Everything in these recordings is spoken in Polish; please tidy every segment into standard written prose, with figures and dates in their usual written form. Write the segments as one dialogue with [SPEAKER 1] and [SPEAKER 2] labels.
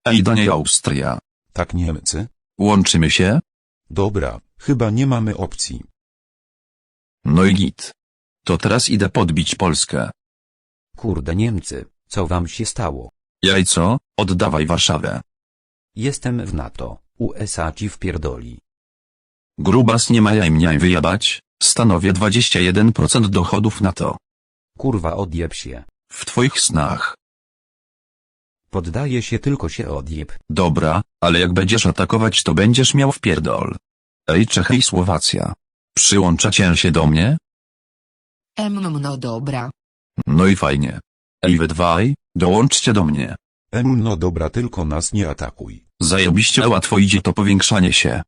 [SPEAKER 1] Ej, do niej Austria.
[SPEAKER 2] Tak, Niemcy?
[SPEAKER 1] Łączymy się?
[SPEAKER 2] Dobra, chyba nie mamy opcji.
[SPEAKER 1] No i git. To teraz idę podbić Polskę.
[SPEAKER 3] Kurde Niemcy, co wam się stało?
[SPEAKER 1] Jajco, oddawaj Warszawę.
[SPEAKER 3] Jestem w NATO, USA ci wpierdoli.
[SPEAKER 1] Grubas nie ma jaj mnie wyjebać, stanowię 21% dochodów NATO.
[SPEAKER 3] Kurwa odjeb się.
[SPEAKER 1] W twoich snach.
[SPEAKER 3] Poddaję się, tylko się odjeb.
[SPEAKER 1] Dobra, ale jak będziesz atakować, to będziesz miał wpierdol. Ej, Czechy i Słowacja. Przyłączacie się do mnie?
[SPEAKER 4] No dobra.
[SPEAKER 1] No i fajnie. Ej, wy dwaj, dołączcie do mnie.
[SPEAKER 2] No dobra, tylko nas nie atakuj.
[SPEAKER 1] Zajebiście łatwo idzie to powiększanie się.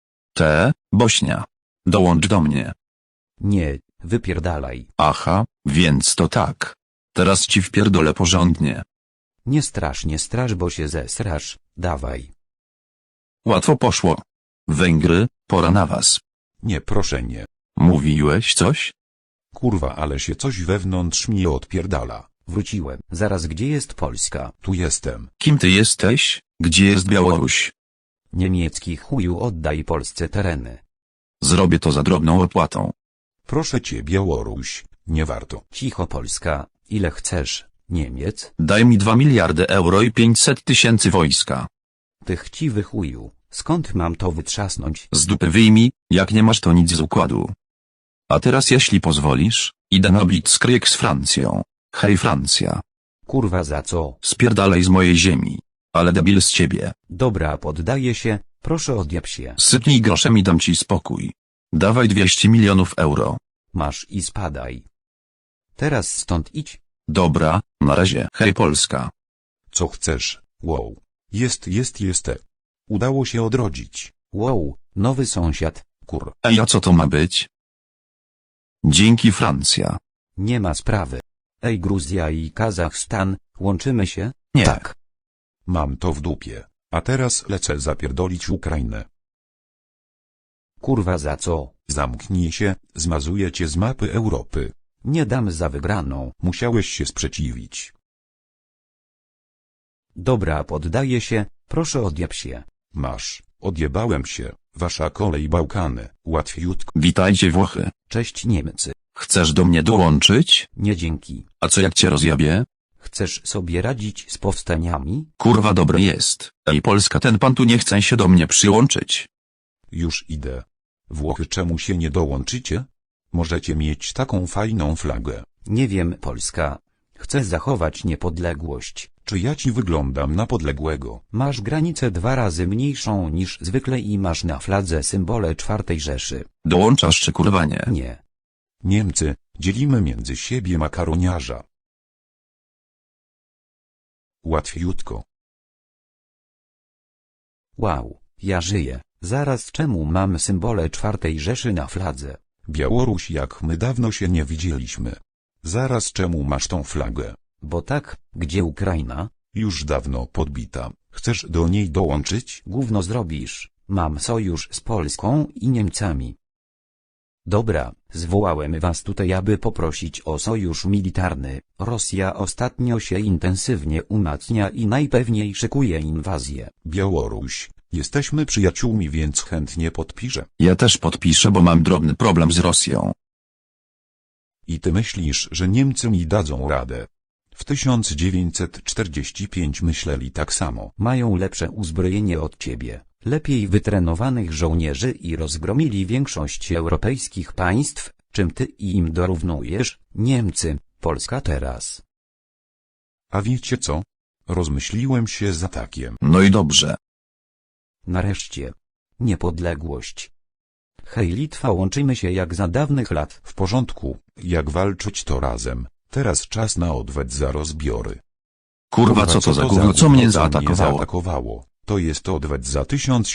[SPEAKER 1] Bośnia. Dołącz do mnie.
[SPEAKER 3] Nie, wypierdalaj.
[SPEAKER 1] Aha, więc to tak. Teraz ci wpierdolę porządnie.
[SPEAKER 3] Nie strasz, bo się zesrasz, dawaj.
[SPEAKER 1] Łatwo poszło. Węgry, pora na was.
[SPEAKER 2] Nie, proszę nie.
[SPEAKER 1] Mówiłeś coś?
[SPEAKER 2] Kurwa, ale się coś wewnątrz mnie odpierdala.
[SPEAKER 3] Wróciłem. Zaraz, gdzie jest Polska?
[SPEAKER 2] Tu jestem.
[SPEAKER 1] Kim ty jesteś? Gdzie jest Białoruś?
[SPEAKER 3] Niemiecki chuju, oddaj Polsce tereny.
[SPEAKER 1] Zrobię to za drobną opłatą.
[SPEAKER 2] Proszę cię, Białoruś, nie warto.
[SPEAKER 3] Cicho Polska, ile chcesz, Niemiec?
[SPEAKER 1] Daj mi 2 miliardy euro i 500 000 wojska.
[SPEAKER 3] Ty chciwy chuju, skąd mam to wytrzasnąć?
[SPEAKER 1] Z dupy wyjmij, jak nie masz to nic z układu. A teraz jeśli pozwolisz, idę na blitzkrieg z Francją. Hej Francja.
[SPEAKER 3] Kurwa za co?
[SPEAKER 1] Spierdalaj z mojej ziemi. Ale debil z ciebie.
[SPEAKER 3] Dobra, poddaję się, proszę odjeb się.
[SPEAKER 1] Sypnij groszem i dam ci spokój. Dawaj 200 milionów euro.
[SPEAKER 3] Masz i spadaj. Teraz stąd idź.
[SPEAKER 1] Dobra, na razie. Hej Polska.
[SPEAKER 2] Co chcesz? Wow. Jest. Udało się odrodzić.
[SPEAKER 3] Wow, nowy sąsiad, kur.
[SPEAKER 1] Ej, a co to ma być? Dzięki Francja.
[SPEAKER 3] Nie ma sprawy. Ej, Gruzja i Kazachstan, łączymy się?
[SPEAKER 1] Nie.
[SPEAKER 3] Tak.
[SPEAKER 2] Mam to w dupie. A teraz lecę zapierdolić Ukrainę.
[SPEAKER 3] Kurwa za co?
[SPEAKER 2] Zamknij się, zmazuję cię z mapy Europy.
[SPEAKER 3] Nie dam za wygraną.
[SPEAKER 2] Musiałeś się sprzeciwić.
[SPEAKER 3] Dobra, poddaję się, proszę odjeb się.
[SPEAKER 2] Masz, odjebałem się. Wasza kolej Bałkany, łatwiutko.
[SPEAKER 1] Witajcie Włochy.
[SPEAKER 3] Cześć Niemcy.
[SPEAKER 1] Chcesz do mnie dołączyć?
[SPEAKER 3] Nie dzięki.
[SPEAKER 1] A co jak cię rozjabie?
[SPEAKER 3] Chcesz sobie radzić z powstaniami?
[SPEAKER 1] Kurwa dobre jest. Ej Polska, ten pan tu nie chce się do mnie przyłączyć.
[SPEAKER 2] Już idę. Włochy, czemu się nie dołączycie? Możecie mieć taką fajną flagę.
[SPEAKER 3] Nie wiem, Polska. Chcę zachować niepodległość.
[SPEAKER 2] Czy ja ci wyglądam na podległego?
[SPEAKER 3] Masz granicę 2 razy mniejszą niż zwykle i masz na fladze symbole czwartej Rzeszy.
[SPEAKER 1] Dołączasz czy kurwa nie?
[SPEAKER 3] Nie.
[SPEAKER 2] Niemcy, dzielimy między siebie makaroniarza. Łatwiutko.
[SPEAKER 3] Wow, ja żyję. Zaraz, czemu mam symbole czwartej Rzeszy na fladze?
[SPEAKER 2] Białoruś, jak my dawno się nie widzieliśmy. Zaraz, czemu masz tą flagę?
[SPEAKER 3] Bo tak, gdzie Ukraina?
[SPEAKER 2] Już dawno podbita. Chcesz do niej dołączyć?
[SPEAKER 3] Gówno zrobisz. Mam sojusz z Polską i Niemcami. Dobra, zwołałem was tutaj, aby poprosić o sojusz militarny. Rosja ostatnio się intensywnie umacnia i najpewniej szykuje inwazję.
[SPEAKER 2] Białoruś, jesteśmy przyjaciółmi, więc chętnie podpiszę.
[SPEAKER 1] Ja też podpiszę, bo mam drobny problem z Rosją.
[SPEAKER 2] I ty myślisz, że Niemcy mi dadzą radę? W 1945 myśleli tak samo.
[SPEAKER 3] Mają lepsze uzbrojenie od ciebie, lepiej wytrenowanych żołnierzy i rozgromili większość europejskich państw, czym ty im dorównujesz, Niemcy, Polska teraz.
[SPEAKER 2] A wiecie co? Rozmyśliłem się z atakiem.
[SPEAKER 1] No i dobrze.
[SPEAKER 3] Nareszcie. Niepodległość. Hej Litwa, łączymy się jak za dawnych lat.
[SPEAKER 2] W porządku, jak walczyć to razem. Teraz czas na odwet za rozbiory.
[SPEAKER 1] Kurwa co to za gówno, co mnie zaatakowało?
[SPEAKER 2] zaatakowało? To jest odwet za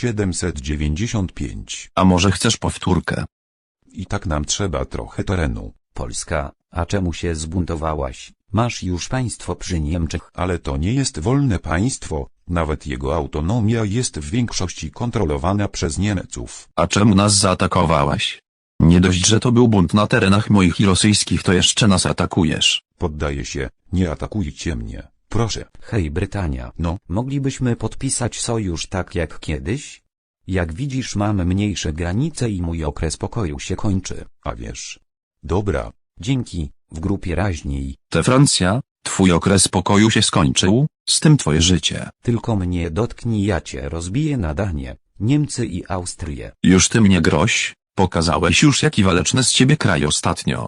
[SPEAKER 2] 1795.
[SPEAKER 1] A może chcesz powtórkę?
[SPEAKER 2] I tak nam trzeba trochę terenu.
[SPEAKER 3] Polska, a czemu się zbuntowałaś? Masz już państwo przy Niemczech.
[SPEAKER 2] Ale to nie jest wolne państwo, nawet jego autonomia jest w większości kontrolowana przez Niemców.
[SPEAKER 1] A czemu nas zaatakowałaś? Nie dość, że to był bunt na terenach moich i rosyjskich, to jeszcze nas atakujesz.
[SPEAKER 2] Poddaję się, nie atakujcie mnie. Proszę.
[SPEAKER 3] Hej Brytania,
[SPEAKER 2] No,
[SPEAKER 3] moglibyśmy podpisać sojusz tak jak kiedyś? Jak widzisz, mam mniejsze granice i mój okres pokoju się kończy.
[SPEAKER 2] a wiesz. Dobra,
[SPEAKER 3] Dzięki, w grupie raźniej.
[SPEAKER 1] Te Francja, twój okres pokoju się skończył, z tym twoje życie.
[SPEAKER 3] Tylko mnie dotknij, ja cię rozbiję na Danię, Niemcy i Austrię.
[SPEAKER 1] Już ty mnie groź, pokazałeś już jaki waleczny z ciebie kraj ostatnio.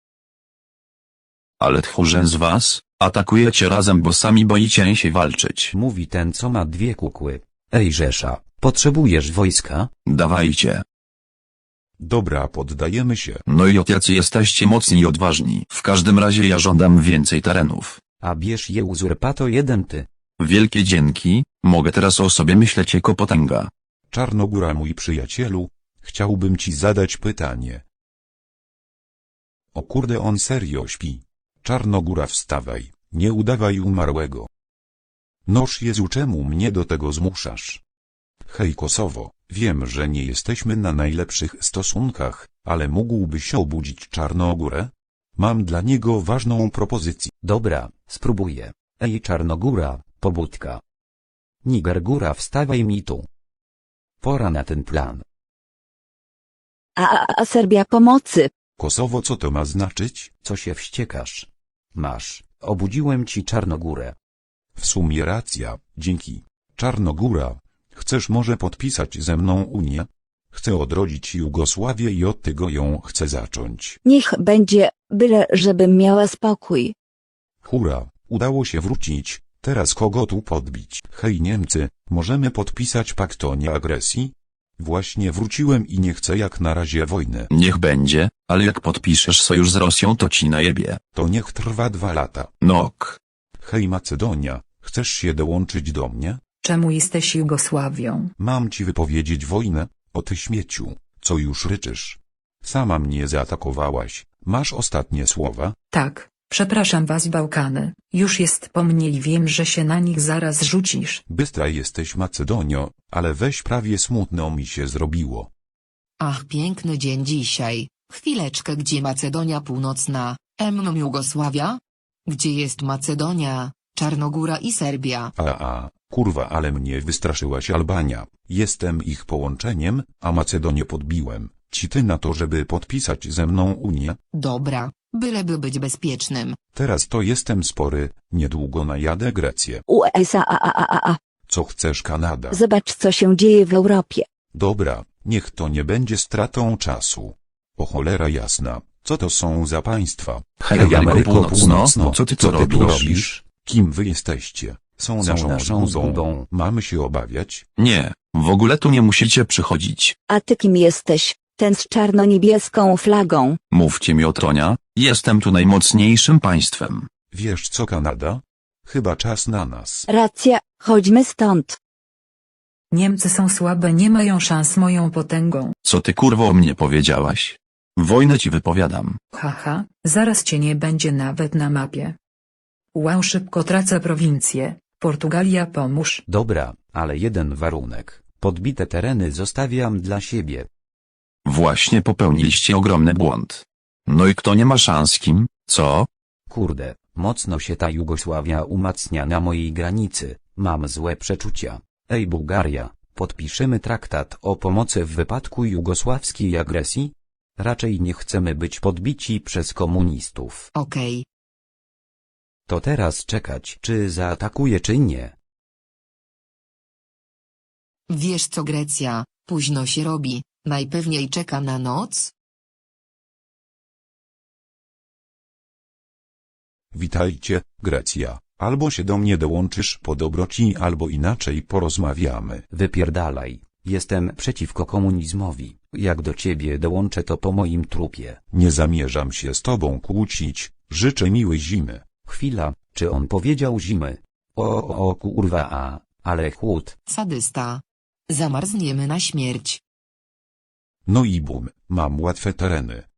[SPEAKER 1] Ale tchórze z was, atakujecie razem, bo sami boicie się walczyć.
[SPEAKER 3] Mówi ten, co ma dwie kukły. Ej Rzesza, potrzebujesz wojska?
[SPEAKER 1] Dawajcie.
[SPEAKER 2] dobra, poddajemy się.
[SPEAKER 1] No i jacy jesteście mocni i odważni. W każdym razie ja żądam więcej terenów.
[SPEAKER 3] A bierz je uzurpato jeden ty.
[SPEAKER 1] Wielkie dzięki, mogę teraz o sobie myśleć jako potęga.
[SPEAKER 2] Czarnogóra, mój przyjacielu, chciałbym ci zadać pytanie. O kurde, on serio śpi. Czarnogóra, wstawaj, nie udawaj umarłego. Noż Jezu, czemu mnie do tego zmuszasz? Hej Kosowo, wiem, że nie jesteśmy na najlepszych stosunkach, ale mógłbyś obudzić Czarnogórę? Mam dla niego ważną propozycję.
[SPEAKER 3] Dobra, spróbuję. Ej Czarnogóra, pobudka. Nigergóra, wstawaj mi tu. Pora na ten plan.
[SPEAKER 5] A Serbia pomocy.
[SPEAKER 2] Kosowo, co to ma znaczyć?
[SPEAKER 3] Co się wściekasz? Masz, obudziłem ci Czarnogórę.
[SPEAKER 2] W sumie racja, dzięki. Czarnogóra, chcesz może podpisać ze mną Unię? Chcę odrodzić Jugosławię i od tego ją chcę zacząć.
[SPEAKER 5] Niech będzie, byle żebym miała spokój.
[SPEAKER 2] Hurra, udało się wrócić, teraz kogo tu podbić? Hej Niemcy, możemy podpisać pakt o nieagresji? Właśnie wróciłem i nie chcę jak na razie wojny.
[SPEAKER 1] Niech będzie, ale jak podpiszesz sojusz z Rosją, to ci najebie.
[SPEAKER 2] To niech trwa 2 lata.
[SPEAKER 1] Nok.
[SPEAKER 2] Hej Macedonia, chcesz się dołączyć do mnie?
[SPEAKER 6] Czemu jesteś Jugosławią?
[SPEAKER 2] Mam ci wypowiedzieć wojnę, o ty śmieciu, co już ryczysz. Sama mnie zaatakowałaś, masz ostatnie słowa?
[SPEAKER 6] Tak, przepraszam was Bałkany, już jest po mnie i wiem, że się na nich zaraz rzucisz.
[SPEAKER 2] Bystra jesteś Macedonio, ale weź, prawie smutno mi się zrobiło.
[SPEAKER 4] Ach, piękny dzień dzisiaj. Chwileczkę, gdzie Macedonia Północna, Jugosławia? Gdzie jest Macedonia, Czarnogóra i Serbia?
[SPEAKER 2] Kurwa, ale mnie wystraszyłaś Albania. Jestem ich połączeniem, a Macedonię podbiłem. Ci ty na to, żeby podpisać ze mną Unię?
[SPEAKER 4] Dobra, byleby być bezpiecznym.
[SPEAKER 2] Teraz to jestem spory, niedługo najadę Grecję.
[SPEAKER 5] USA.
[SPEAKER 2] Co chcesz Kanada?
[SPEAKER 5] Zobacz, co się dzieje w Europie.
[SPEAKER 2] Dobra, niech to nie będzie stratą czasu. O cholera jasna, co to są za państwa?
[SPEAKER 1] Hej
[SPEAKER 3] Hej,
[SPEAKER 1] Ameryko
[SPEAKER 3] Ameryko
[SPEAKER 1] Północno, co ty tu robisz?
[SPEAKER 2] Kim wy jesteście? Są naszą zgubą. Mamy się obawiać?
[SPEAKER 1] Nie, w ogóle tu nie musicie przychodzić.
[SPEAKER 5] A ty kim jesteś? Ten z czarno-niebieską flagą.
[SPEAKER 1] Mówcie mi o tronia, jestem tu najmocniejszym państwem.
[SPEAKER 2] Wiesz co Kanada? Chyba czas na nas.
[SPEAKER 5] Racja, chodźmy stąd.
[SPEAKER 6] Niemcy są słabe, nie mają szans moją potęgą.
[SPEAKER 1] Co ty kurwo o mnie powiedziałaś? Wojnę ci wypowiadam.
[SPEAKER 6] Haha, zaraz cię nie będzie nawet na mapie. Wow, szybko tracę prowincję. Portugalia, pomóż.
[SPEAKER 3] Dobra, ale jeden warunek. Podbite tereny zostawiam dla siebie.
[SPEAKER 1] Właśnie popełniliście ogromny błąd. No i kto nie ma szans kim, co?
[SPEAKER 3] Kurde, mocno się ta Jugosławia umacnia na mojej granicy. Mam złe przeczucia. Ej Bułgaria, podpiszemy traktat o pomocy w wypadku jugosławskiej agresji? Raczej nie chcemy być podbici przez komunistów.
[SPEAKER 4] Okej.
[SPEAKER 3] To teraz czekać, czy zaatakuje, czy nie.
[SPEAKER 4] Wiesz co, Grecja, późno się robi, najpewniej czeka na noc?
[SPEAKER 2] Witajcie, Grecja. Albo się do mnie dołączysz po dobroci, albo inaczej porozmawiamy.
[SPEAKER 3] Wypierdalaj, jestem przeciwko komunizmowi. Jak do ciebie dołączę, to po moim trupie.
[SPEAKER 2] Nie zamierzam się z tobą kłócić, życzę miłej zimy.
[SPEAKER 3] Chwila, czy on powiedział zimy? O kurwa, ale chłód.
[SPEAKER 4] Sadysta. Zamarzniemy na śmierć.
[SPEAKER 2] No i bum, mam łatwe tereny.